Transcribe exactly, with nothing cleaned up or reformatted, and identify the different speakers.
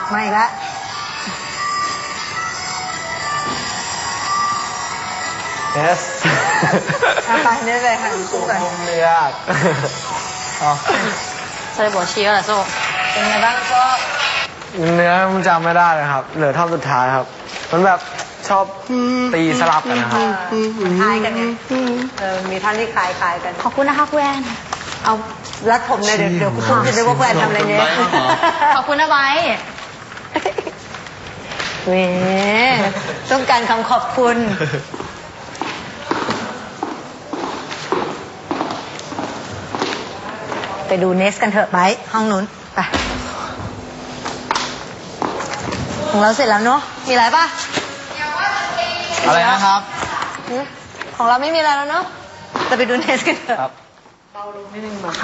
Speaker 1: ไม่ละ
Speaker 2: เอส
Speaker 1: ไปนี่เลยค่ะสู้กัน
Speaker 2: ผมเลือกอ๋อ
Speaker 3: ใส่บัวชี้แล้วโซ่
Speaker 1: เป็นไงบ้างก็
Speaker 2: เนื้อมันจำไม่ได้เลยครับเหลือท่อนสุดท้ายครับมันแบบชอบตีสลับกันนะครับ
Speaker 1: คล้ายกันไงเออมีท่อนที่คล้ายคล้ายกัน
Speaker 3: ขอบคุณนะคะคุณแอน
Speaker 1: เอารัดผมเลยเดี๋ยวเดี๋ยวคุณตุ้มจะนึกว่าคุณแอนทำอะไรเนี่ย
Speaker 3: ขอบคุณนะไบ
Speaker 1: เว้ต้องการคำขอบคุณไปดูเนสกันเถอะไปห้องนู้นไปของเราเสร็จแล้วเนาะมีอะไรป่ะ
Speaker 2: อะไรนะครับ
Speaker 1: ของเราไม่มีอะไรแล้วเนาะจะไปดูเนสกันเถอะ